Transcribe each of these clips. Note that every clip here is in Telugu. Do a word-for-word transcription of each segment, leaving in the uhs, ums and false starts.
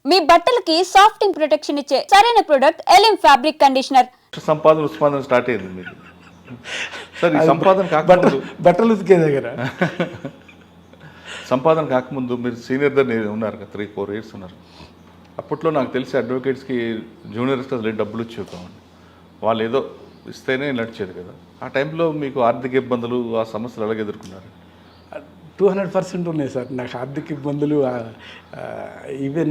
మీ బట్టలకి సాఫ్టింగ్ ప్రొటెక్షన్ ఇచ్చే సరైన ప్రొడక్ట్ ఎలిమ్ ఫ్యాబ్రిక్ కండిషనర్. సంపాదన ఉత్పాదన స్టార్ట్ అయింది మీకు. సార్ ఈ సంపాదన కాకముందు బట్టలు ఉతికే దగ్గర సంపాదన కాకముందు మీరు సీనియర్ దగ్గర ఉన్నారు కదా, త్రీ ఫోర్ ఇయర్స్ ఉన్నారు. అప్పట్లో నాకు తెలిసి అడ్వకేట్స్కి జూనియర్స్కి అసలు డబ్బులు ఇచ్చేవామండి. వాళ్ళు ఏదో ఇస్తేనే నడిచేది కదా. ఆ టైంలో మీకు ఆర్థిక ఇబ్బందులు ఆ సమస్యలు ఎలాగ ఎదుర్కొన్నారు? టూ హండ్రెడ్ పర్సెంట్ ఉన్నాయి సార్ నాకు ఆర్థిక ఇబ్బందులు. ఈవెన్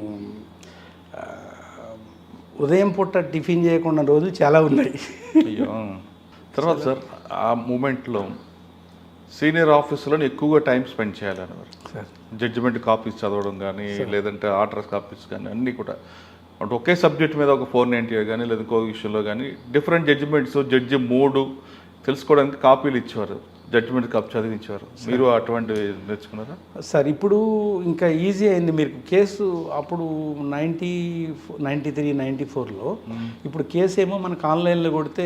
ఉదయం పూట టిఫిన్ చేయకుండా రోజులు చాలా ఉన్నాయి. అయ్యో. తర్వాత సార్ ఆ మూమెంట్లో సీనియర్ ఆఫీసులో ఎక్కువగా టైం స్పెండ్ చేయాలనేవారు సార్. జడ్జిమెంట్ కాపీస్ చదవడం కానీ లేదంటే ఆర్డర్స్ కాపీస్ కానీ అన్నీ కూడా అంటే ఒకే సబ్జెక్ట్ మీద ఒక ఫోర్ నైంటీ కానీ లేదా ఇంకో విషయంలో కానీ డిఫరెంట్ జడ్జిమెంట్స్ జడ్జి మూడు తెలుసుకోవడానికి కాపీలు ఇచ్చేవారు, జడ్జిమెంట్ కాపీ చదివించేవారు. మీరు అటువంటివి నేర్చుకున్నారా? సార్ ఇప్పుడు ఇంకా ఈజీ అయింది. మీరు కేసు అప్పుడు నైంటీ నైంటీ త్రీ నైంటీ ఫోర్లో ఇప్పుడు కేసు ఏమో మనకు ఆన్లైన్లో కొడితే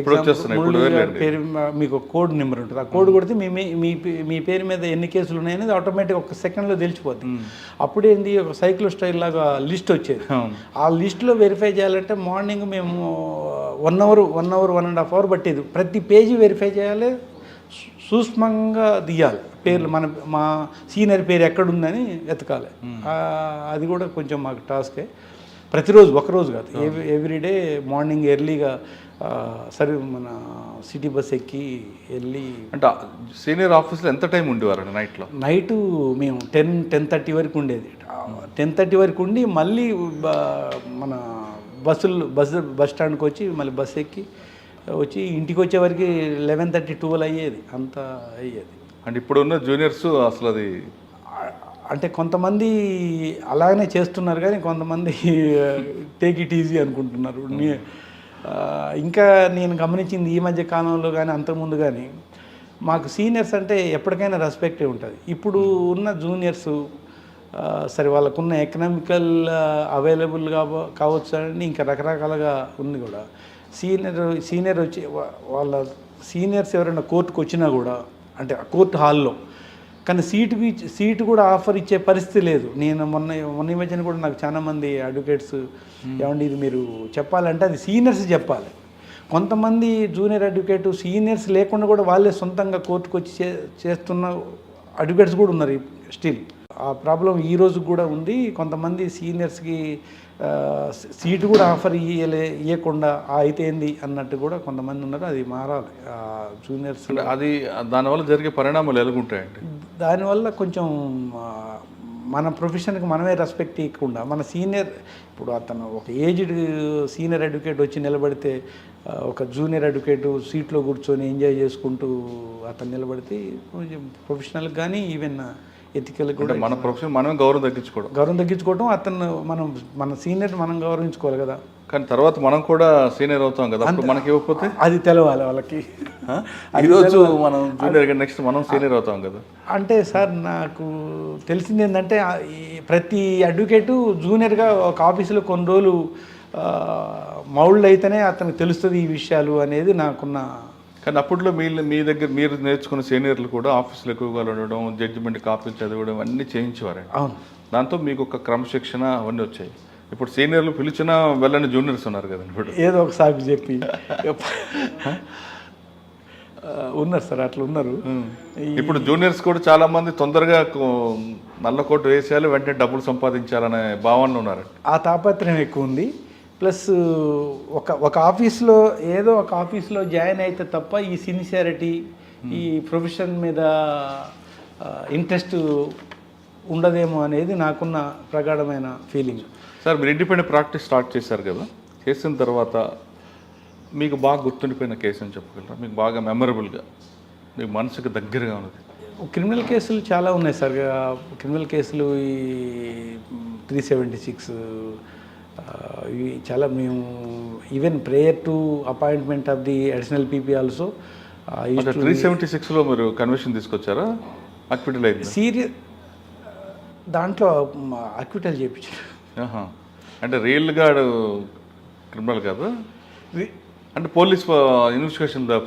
పేరు మీకు కోడ్ నెంబర్ ఉంటుంది. ఆ కోడ్ కొడితే మీ మీ మీ పేరు మీద ఎన్ని కేసులు ఉన్నాయనేది ఆటోమేటిక్ ఒక సెకండ్లో తెలిసిపోతుంది. అప్పుడేంది ఒక సైక్లో స్టైల్ లాగా లిస్ట్ వచ్చేది. ఆ లిస్ట్లో వెరిఫై చేయాలంటే మార్నింగ్ మేము one hour one hour one and half hour పట్టేది. ప్రతి పేజీ వెరిఫై చేయాలి, సూక్ష్మంగా తీయాలి పేర్లు. మన మా సీనియర్ పేరు ఎక్కడుందని వెతకాలి. అది కూడా కొంచెం మాకు టాస్కే. ప్రతిరోజు ఒకరోజు కాదు, ఎవ్రీడే మార్నింగ్ ఎర్లీగా సరే మన సిటీ బస్ ఎక్కి వెళ్ళి. అంటే సీనియర్ ఆఫీస్లో ఎంత టైం ఉండేవారు నైట్లో? నైటు మేము టెన్ టెన్ థర్టీ వరకు ఉండేది. టెన్ థర్టీ వరకు ఉండి మళ్ళీ మన బస్సులు బస్సు బస్ స్టాండ్కి వచ్చి మళ్ళీ బస్ ఎక్కి వచ్చి ఇంటికి వచ్చేవరకు లెవెన్ థర్టీ ట్వెల్వ్ అయ్యేది, అంత అయ్యేది. అంటే ఇప్పుడున్న జూనియర్స్ అసలు అది అంటే కొంతమంది అలాగనే చేస్తున్నారు కానీ కొంతమంది టేక్ ఇట్ ఈజీ అనుకుంటున్నారు. ఇంకా నేను గమనించింది ఈ మధ్య కాలంలో కానీ అంతకుముందు కానీ మాకు సీనియర్స్ అంటే ఎప్పటికైనా రెస్పెక్టే ఉంటుంది. ఇప్పుడు ఉన్న జూనియర్స్ సరే వాళ్ళకున్న ఎకనామికల్ అవైలబుల్ కావచ్చు అని ఇంకా రకరకాలుగా ఉంది కూడా. సీనియర్ సీనియర్ వచ్చి వాళ్ళ సీనియర్స్ ఎవరైనా కోర్టుకు వచ్చినా కూడా అంటే కోర్టు హాల్లో కానీ సీటుకి సీటు కూడా ఆఫర్ ఇచ్చే పరిస్థితి లేదు. నేను మొన్న మొన్న ఈ మధ్యన కూడా నాకు చాలామంది అడ్వకేట్స్ ఏమండి ఇది మీరు చెప్పాలంటే అది సీనియర్స్ చెప్పాలి. కొంతమంది జూనియర్ అడ్వకేట్ సీనియర్స్ లేకుండా కూడా వాళ్ళే సొంతంగా కోర్టుకు వచ్చి చే చేస్తున్న అడ్వకేట్స్ కూడా ఉన్నారు స్టిల్. ఆ ప్రాబ్లం ఈ రోజు కూడా ఉంది. కొంతమంది సీనియర్స్కి సీటు కూడా ఆఫర్ ఇయ్యలే ఇవ్వకుండా అయితే ఏంది అన్నట్టు కూడా కొంతమంది ఉన్నారు. అది మారాలి. జూనియర్స్ అది దానివల్ల జరిగే పరిణామాలు ఎలాగుంటాయండి? దానివల్ల కొంచెం మన ప్రొఫెషన్కి మనమే రెస్పెక్ట్ ఇవ్వకుండా మన సీనియర్ ఇప్పుడు అతను ఒక ఏజ్డ్ సీనియర్ అడ్వకేట్ వచ్చి నిలబడితే ఒక జూనియర్ అడ్వకేట్ సీట్లో కూర్చొని ఎంజాయ్ చేసుకుంటూ అతను నిలబడితే కొంచెం ప్రొఫెషనల్కి కానీ ఈవెన్ ఎథికల్ కూడా మన ప్రొఫెషన్ మనమే గౌరవం తగ్గించుకోవడం గౌరవం తగ్గించుకోవడం అతను మనం మన సీనియర్ మనం గౌరవించుకోవాలి కదా. కానీ తర్వాత మనం కూడా సీనియర్ అవుతాం కదా, అప్పుడు మనకి ఇవ్వకపోతే అది తెలవాలి వాళ్ళకి. ఈరోజు మనం జూనియర్ నెక్స్ట్ మనం సీనియర్ అవుతాం కదా. అంటే సార్ నాకు తెలిసింది ఏంటంటే ప్రతి అడ్వకేటు జూనియర్గా ఒక ఆఫీసులో కొన్ని రోజులు మౌల్డ్ అయితేనే అతనికి తెలుస్తుంది ఈ విషయాలు అనేది నాకున్న. కానీ అప్పట్లో మీ మీ దగ్గర మీరు నేర్చుకున్న సీనియర్లు కూడా ఆఫీసులో ఎక్కువగా ఉండడం, జడ్జిమెంట్ కాపీలు చదవడం అన్నీ చేయించేవారు. అవును. దాంతో మీకు ఒక క్రమశిక్షణ అవన్నీ వచ్చాయి. ఇప్పుడు సీనియర్లు పిలిచినా వెళ్ళని జూనియర్స్ ఉన్నారు కదా. ఇప్పుడు ఏదో ఒక సాకు చెప్పి ఉన్నారు సార్, అట్లా ఉన్నారు. ఇప్పుడు జూనియర్స్ కూడా చాలా మంది తొందరగా నల్ల కోటు వేసేయాలి, వెంటనే డబ్బులు సంపాదించాలనే భావనలో ఉన్నారు. ఆ తాపత్రయం ఎక్కువ ఉంది. ప్లస్ ఒక ఒక ఆఫీస్లో ఏదో ఒక ఆఫీస్లో జాయిన్ అయితే తప్ప ఈ సిన్సియారిటీ ఈ ప్రొఫెషన్ మీద ఇంట్రెస్ట్ ఉండదేమో అనేది నాకున్న ప్రగాఢమైన ఫీలింగ్. సార్ మీరు ఇండిపెండెంట్ ప్రాక్టీస్ స్టార్ట్ చేశారు కదా, చేసిన తర్వాత మీకు బాగా గుర్తుండిపోయిన కేసు అని చెప్పగలరా? మీకు బాగా మెమరబుల్గా మీకు మనసుకు దగ్గరగా ఉన్నది? క్రిమినల్ కేసులు చాలా ఉన్నాయి సార్. క్రిమినల్ కేసులు ఈ త్రీ సెవెంటీ సిక్స్ ఇవి చాలా. మేము even prayer to appointment of the additional PP also three seventy సిక్స్లో మీరు కన్విషన్ తీసుకొచ్చారా? అక్విటల్ అయింది సీరియస్ దాంట్లో అక్విటల్ చేయించారు. అంటే రియల్గా క్రిమినల్ కాదు అంటే police investigation sir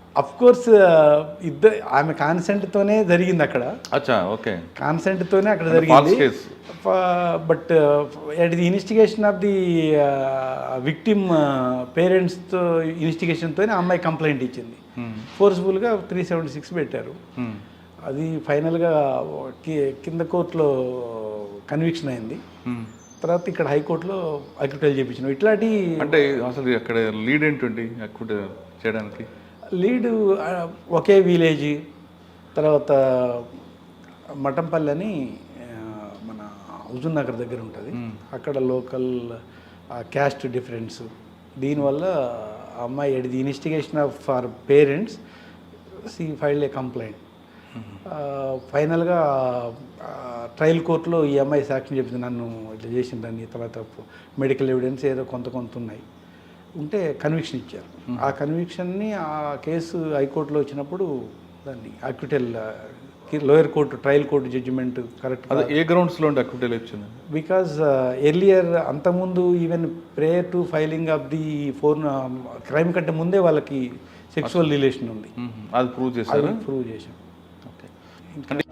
of course ఇద్దరు ఆమె కాన్సెంట్తోనే జరిగింది అక్కడ, అచ్చా ఓకే. కాన్సెంట్తోనే అక్కడ ఫాల్స్ జరిగింది. Case. But at the investigation of the victim పేరెంట్స్తో ఇన్వెస్టిగేషన్తోనే ఆ అమ్మాయి కంప్లైంట్ ఇచ్చింది. ఫోర్స్ఫుల్గా త్రీ సెవెంటీ సిక్స్ పెట్టారు. అది ఫైనల్గా కింద కోర్టులో కన్విక్షన్ అయింది. తర్వాత ఇక్కడ హైకోర్టులో అక్విటల్ చేయించినాం. ఇట్లాంటి అంటే అసలు అక్కడ లీడ్ ఏంటండి అక్విట్ చేయడానికి? లీడు ఒకే విలేజ్, తర్వాత మఠంపల్లి అని మన హుజూర్ నగర్ దగ్గర ఉంటుంది. అక్కడ లోకల్ క్యాస్ట్ డిఫరెన్స్, దీనివల్ల ఆ అమ్మాయి at the investigation of for parents she file a complaint. ఫైనల్గా ట్రయల్ కోర్టులో ఈ అమ్మాయి సాక్ష్యం చెప్పింది, నన్ను ఇట్లా చేసిందని. తర్వాత మెడికల్ ఎవిడెన్స్ ఏదో కొంత కొంత ఉన్నాయి ఉంటే కన్విక్షన్ ఇచ్చారు. ఆ కన్విక్షన్ని ఆ కేసు హైకోర్టులో వచ్చినప్పుడు దాన్ని acquittal lower court trial court judgement correct. అదే ఏ గ్రౌండ్స్లో ఉండి అక్విటల్ వచ్చింది? బికాజ్ ఎర్లియర్ అంతకుముందు even prayer to filing of the for crime కంటే ముందే వాళ్ళకి సెక్సువల్ రిలేషన్ ఉంది. అది ప్రూవ్ చేశారు. ప్రూవ్ చేశాం. ఓకే.